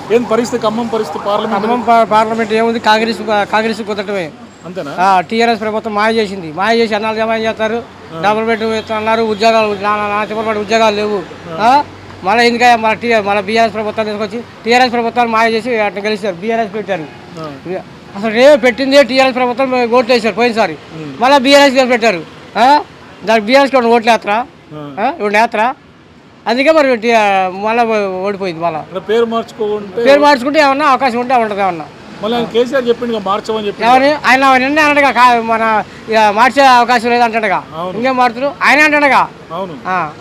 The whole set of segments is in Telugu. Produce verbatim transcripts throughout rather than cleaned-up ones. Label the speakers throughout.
Speaker 1: ఏం పరిస్థితి ఖమ్మం పరిస్థితి పార్లమెంట్
Speaker 2: ఖమ్మం పార్లమెంట్ ఏముంది, కాంగ్రెస్ కాంగ్రెస్ కుదరటమే.
Speaker 1: అంతేనా?
Speaker 2: టీఆర్ఎస్ ప్రభుత్వం మాయ చేసింది. మాయ చేసి అన్నాలు జమ చేస్తారు, డబుల్ బెడ్ అన్నారు, ఉద్యోగాలు నాచిపడి ఉద్యోగాలు లేవు. మళ్ళీ ఎందుక మన టీ మన బీఆర్ఎస్ ప్రభుత్వం తీసుకొచ్చి టీఆర్ఎస్ ప్రభుత్వాలు మాయ చేసి అట్లా గెలిచారు. బీఆర్ఎస్ పెట్టారు. అసలు రేపు పెట్టింది టీఆర్ఎస్ ప్రభుత్వం ఓట్లు వేసారు పోయినసారి. మళ్ళీ బీఆర్ఎస్ పెట్టారు. దానికి బీఆర్ఎస్కి ఒక ఓట్లు వేస్తారా? ఇప్పుడు వేస్తారా? అందుకే మరి మళ్ళీ ఓడిపోయింది. మళ్ళీ
Speaker 1: పేరు మార్చుకుంటే
Speaker 2: పేరు మార్చుకుంటే ఏమన్నా అవకాశం ఉంటే ఉంటుంది. ఏమన్నా
Speaker 1: మళ్ళీ కేసీఆర్ చెప్పిండు మార్చమని చెప్పి
Speaker 2: ఎవరు ఆయన నిన్నే అన్నట్టుగా మన మార్చే అవకాశం లేదు అంటాడుగా. ఇంకేం మారుతారు ఆయన అంటాడుగా.
Speaker 1: అవును,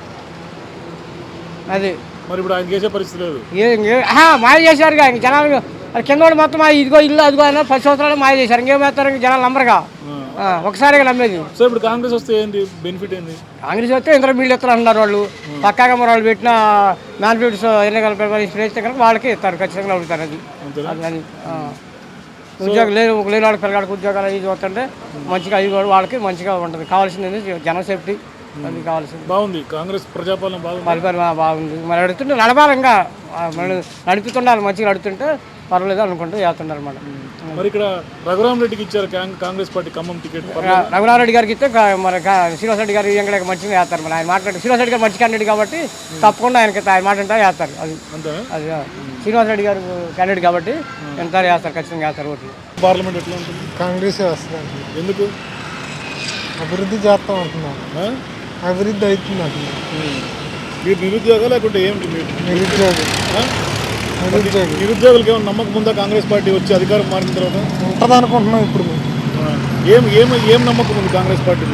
Speaker 2: అది
Speaker 1: మరి ఇప్పుడు ఆయన చేసే పరిస్థితి లేదు.
Speaker 2: మాయ చేశారుగా. ఇంక జనాలు కింద కూడా మొత్తం ఇదిగో ఇల్లు అదిగో అయినా పది సంవత్సరాలు మాయ చేశారు. ఇంకేం వేస్తారు? ఇంక జనాలు నమ్మరుగా. ఒకసారిగా నమ్మేది.
Speaker 1: సో ఇప్పుడు కాంగ్రెస్ వస్తే ఏంటి బెనిఫిట్ ఏంటి?
Speaker 2: కాంగ్రెస్ వస్తే ఇంద్ర మీళ్ళు ఇస్తారు అంటున్నారు వాళ్ళు. పక్కాగా మరి వాళ్ళు పెట్టిన మ్యానిఫెస్టో ఎన్నికల ఇస్తే కనుక వాళ్ళకి ఇస్తారు, ఖచ్చితంగా అడుగుతారు. అది అది ఉద్యోగం లేదు లేని వాళ్ళకి పిల్లగాడికి ఉద్యోగాలు అవి చూస్తుంటే మంచిగా అవి కూడా వాళ్ళకి మంచిగా ఉంటుంది. కావాల్సింది జన సేఫ్టీ, అది కావాల్సింది.
Speaker 1: బాగుంది కాంగ్రెస్ ప్రజాపాలన బాగుంది.
Speaker 2: పరిపాలన బాగుంది. మరి నడుతుంటే నడపాలి, ఇంకా నడుపుతుండాలి. మంచిగా నడుతుంటే పర్వాలేదు అనుకుంటూ చేస్తున్నారు అన్నమాట.
Speaker 1: మరి ఇక్కడ రఘురామ్ రెడ్డికి ఇచ్చారు కాంగ్రెస్ పార్టీ ఖమ్మం టికెట్.
Speaker 2: రఘురామ్ రెడ్డి గారికి ఇస్తే మరి శ్రీనివాస్ రెడ్డి గారు ఇంకా మంచిగా వేస్తారు. మరి ఆయన మాట్లాడి శ్రీనివాస్ రెడ్డి గారు మంచి క్యాండిడేట్ కాబట్టి తప్పకుండా ఆయనకి ఆయన మాట్లాడితే వేస్తారు. అది అది శ్రీనివాస్ రెడ్డి గారు క్యాండిడేట్ కాబట్టి ఎంత వేస్తారు, ఖచ్చితంగా వేస్తారు ఓట్లు.
Speaker 1: పార్లమెంట్ ఎట్లా ఉంటుంది?
Speaker 3: కాంగ్రెస్ వస్తుంది.
Speaker 1: ఎందుకు?
Speaker 3: అభివృద్ధి చేస్తాం అంటున్నారు. అభివృద్ధి అవుతుంది అంటున్నారు.
Speaker 1: మీరు నిరుద్యోగం లేకుంటే ఏమిటి? మీరు
Speaker 3: నిరుద్యోగి నిరుద్యోగి
Speaker 1: నిరుద్యోగులకి ఏమైనా నమ్మకం ఉందా కాంగ్రెస్ పార్టీ వచ్చి అధికారం మారిన తర్వాత?
Speaker 3: ఉంటుంది అనుకుంటున్నాం. ఇప్పుడు
Speaker 1: ఏం ఏం ఏం నమ్మకం ఉంది కాంగ్రెస్ పార్టీ?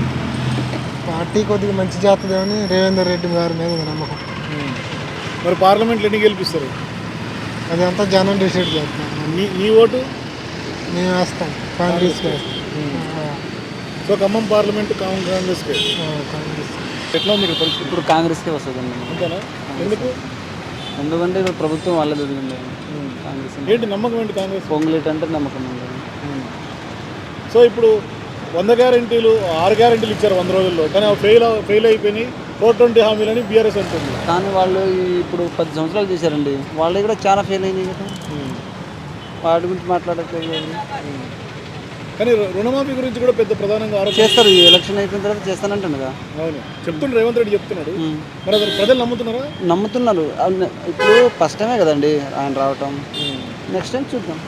Speaker 3: పార్టీ కొద్దిగా మంచి చేస్తుందేమని రేవంత్ రెడ్డి గారి మీద నమ్మకం.
Speaker 1: మరి పార్లమెంట్లో ఎన్ని గెలిపిస్తారు?
Speaker 3: అదంతా జనం డిసైడ్ చేస్తున్నారు.
Speaker 1: నీ నీ ఓటు?
Speaker 3: మేము వేస్తాం కాంగ్రెస్కి వేస్తాం.
Speaker 1: సో ఖమ్మం పార్లమెంట్ కాంగ్రెస్కి.
Speaker 3: కాంగ్రెస్
Speaker 1: ఎట్లా ఉంది పరిస్థితి?
Speaker 4: ఇప్పుడు కాంగ్రెస్కే వస్తుంది అండి.
Speaker 1: అంతేనా? ఎందుకు?
Speaker 4: ఎందుకంటే ఇప్పుడు ప్రభుత్వం వాళ్ళే జరిగింది. కాంగ్రెస్
Speaker 1: ఏంటి నమ్మకం ఏంటి కాంగ్రెస్?
Speaker 4: పొంగులేట్ అంటే నమ్మకం ఉంది.
Speaker 1: సో ఇప్పుడు వంద గ్యారెంటీలు ఆరు గ్యారెంటీలు ఇచ్చారు వంద రోజుల్లో, కానీ అవి ఫెయిల్ ఫెయిల్ అయిపోయినాయి. ఫోర్ ట్వంటీ హామీలని బీఆర్ఎస్ అంటుంది.
Speaker 4: కానీ వాళ్ళు ఇప్పుడు పది సంవత్సరాలు చేశారండి. వాళ్ళు కూడా చాలా ఫెయిల్ అయినాయి కదా. వాటి గురించి మాట్లాడట్లేదు.
Speaker 1: కానీ రుణమాఫీ గురించి కూడా పెద్ద ప్రధానంగా ఆరోపణ
Speaker 4: చేస్తారు. ఈ ఎలక్షన్ అయిపోయిన తర్వాత చేస్తానంటున్నాగా.
Speaker 1: అవును, చెప్తుండ్రు రేవంత్ రెడ్డి చెప్తున్నాడు. మరి అసలు ప్రజలు నమ్ముతున్నారా?
Speaker 4: నమ్ముతున్నారు. ఇప్పుడు ఫస్ట్ టైమే కదండి ఆయన రావటం. నెక్స్ట్ టైం చూద్దాం.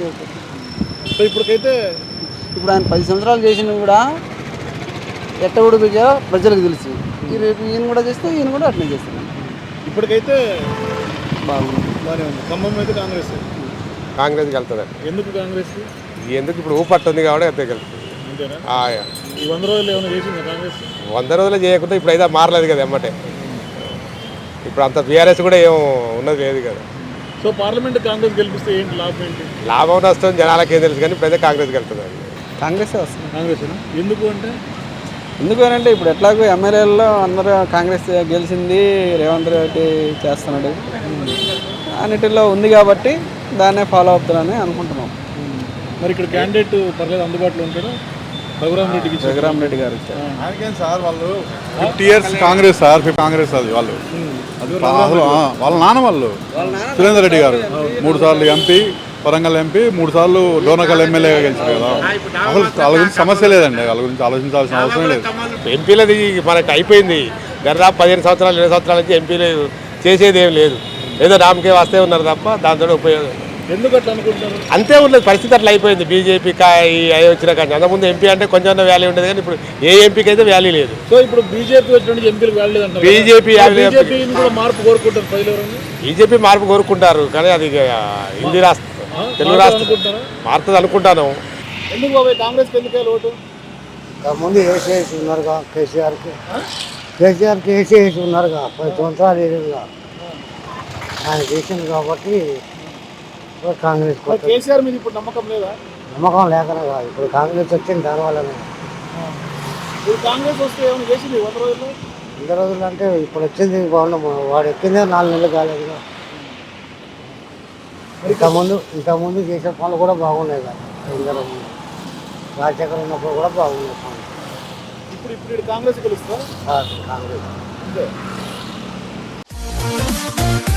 Speaker 1: సో ఇప్పటికైతే
Speaker 4: ఇప్పుడు ఆయన పది సంవత్సరాలు చేసినవి కూడా ఎట్ట ఉడిపించా ప్రజలకు తెలుసు. ఈ రేపు ఈయన కూడా చేస్తే ఈయన కూడా అట్లనే చేస్తాను.
Speaker 1: ఇప్పటికైతే
Speaker 4: బాగుంది,
Speaker 1: బాగానే ఉంది. ఖమ్మం అయితే కాంగ్రెస్
Speaker 5: కాంగ్రెస్కి వెళ్తుంది.
Speaker 1: ఎందుకు కాంగ్రెస్?
Speaker 5: ఎందుకు? ఇప్పుడు ఊపట్టుంది కాబట్టి అంతే వెళ్తుంది.
Speaker 1: అంతేనా? ఈ వంద రోజులు ఏమైనా చేసిందా కాంగ్రెస్?
Speaker 5: వంద రోజులు చేయకుండా ఇప్పుడు అయితే మారలేదు కదా ఎమ్మటే. ఇప్పుడు అంత బీఆర్ఎస్ కూడా ఏం ఉన్నది లేదు కదా.
Speaker 1: సో పార్లమెంట్ కాంగ్రెస్ గెలిపిస్తే ఏంటి లాభం ఏంటి?
Speaker 5: లాభం నష్టం జనాలకి ఏం తెలుసు, కానీ ప్రజలు కాంగ్రెస్కి వెళ్తుంది.
Speaker 4: కాంగ్రెసే వస్తుంది.
Speaker 1: కాంగ్రెస్ ఎందుకు అంటే
Speaker 4: ఎందుకు అంటే ఇప్పుడు ఎట్లాగో ఎమ్మెల్యేలలో అందరూ కాంగ్రెస్ గెలిచింది, రేవంత్ రెడ్డి చేస్తున్నాడు అన్నిటిలో ఉంది కాబట్టి దాన్నే ఫాలో అవుతారని అనుకుంటున్నాం.
Speaker 1: మరి ఇక్కడ క్యాండిడేట్ పర్లేదు అందుబాటులో ఉంటాడు రఘురామ్ రెడ్డికి.
Speaker 4: రఘురామ్ రెడ్డి గారు
Speaker 6: సార్ వాళ్ళు fifty years Congress sir Congress అది వాళ్ళు అది వాళ్ళ నాన్న వాళ్ళు సురేందర్ రెడ్డి గారు మూడు సార్లు ఎంపీ, వరంగల్ ఎంపీ, మూడు సార్లు డోనకల్ ఎమ్మెల్యేగా గెలిచారు కదా. అసలు వాళ్ళ గురించి సమస్య లేదండి, వాళ్ళ గురించి ఆలోచించాల్సిన అవసరం లేదు.
Speaker 5: ఎంపీలది మనకి అయిపోయింది. దాదాపు పదిహేను సంవత్సరాలు ఇరవై సంవత్సరాల నుంచి ఎంపీలు చేసేది ఏం లేదు. ఏదో నామకే వస్తే ఉన్నారు తప్ప దాంతో ఉపయోగం
Speaker 1: ఎందుకు అట్లా అనుకుంటారు?
Speaker 5: అంతే ఉండదు, పరిస్థితి అట్లా అయిపోయింది. బీజేపీ అవి వచ్చిన కానీ అంతకుముందు ఎంపీ అంటే కొంచెం వాల్యూ ఉండేది, కానీ ఇప్పుడు ఏ ఎంపీకి అయితే వాల్యూ లేదు.
Speaker 1: సో ఇప్పుడు బీజేపీ వచ్చినట్టు ఎంపీలకు వాల్యూ లేదంటారు.
Speaker 5: బీజేపీ
Speaker 1: కూడా మార్పు కోరుకుంటారు.
Speaker 5: బీజేపీ మార్పు కోరుకుంటారు, కానీ అది హిందీ రాష్ట్రం తెలుగు రాష్ట్రం మారుతుంది అనుకుంటాను.
Speaker 1: ఎందుకు బాబాయ్ కాంగ్రెస్కి ఎందుకు ఓటు?
Speaker 3: ముందు వేసేసి ఉన్నారుగా కేసీఆర్కి. కేసీఆర్కి వేసేసి ఉన్నారుగా పది సంవత్సరాలు ఏడుగా ఆయన చేసింది కాబట్టి కాంగ్రెస్.
Speaker 1: కేసీఆర్ మీద ఇప్పుడు నమ్మకం లేదా?
Speaker 3: నమ్మకం లేకనే కాదు, ఇప్పుడు కాంగ్రెస్ వచ్చింది దానివల్లనే.
Speaker 1: ఇప్పుడు కాంగ్రెస్ వస్తే ఏమైనా చేసింది వంద రోజుల్లో?
Speaker 3: వంద రోజులు అంటే ఇప్పుడు వచ్చింది బాగున్నాం. వాడు ఎక్కిందే నాలుగు నెలలు కాలేదుగా. ఇంతకుముందు ఇంతకుముందు చేసే పనులు కూడా బాగున్నాయి కదా. ఇందరూ రాజశేఖర్ ఉన్నప్పుడు కూడా బాగున్నాయి పనులు.
Speaker 1: ఇప్పుడు ఇప్పుడు కాంగ్రెస్ గెలుస్తా
Speaker 3: కాంగ్రెస్.